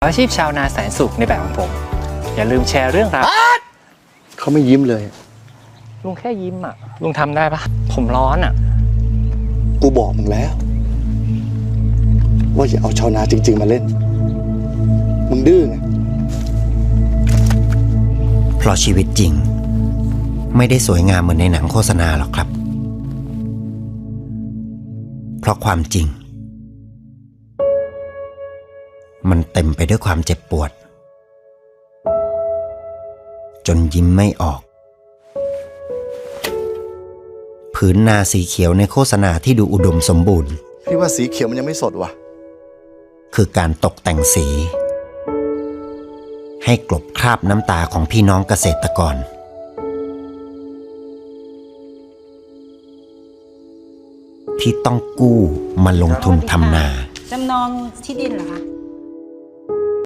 อาชีพชาวนาแสนสุขในแบบของผมอย่าลืมแชร์เรื่องราวเขาไม่ยิ้มเลยลุงแค่ยิ้มอ่ะลุงทำได้ปะผมร้อนอ่ะกูบอกมึงแล้วว่าอย่าเอาชาวนาจริงๆมาเล่นมึงดื้อไงเพราะชีวิตจริงไม่ได้สวยงามเหมือนในหนังโฆษณาหรอกครับเพราะความจริงมันเต็มไปด้วยความเจ็บปวดจนยิ้มไม่ออกผืนนาสีเขียวในโฆษณาที่ดูอุดมสมบูรณ์พี่ว่าสีเขียวมันยังไม่สดว่ะคือการตกแต่งสีให้กลบคราบน้ำตาของพี่น้องเกษตรกรที่ต้องกู้มาลงทุนทำนาจำนองที่ดินเหรอคะ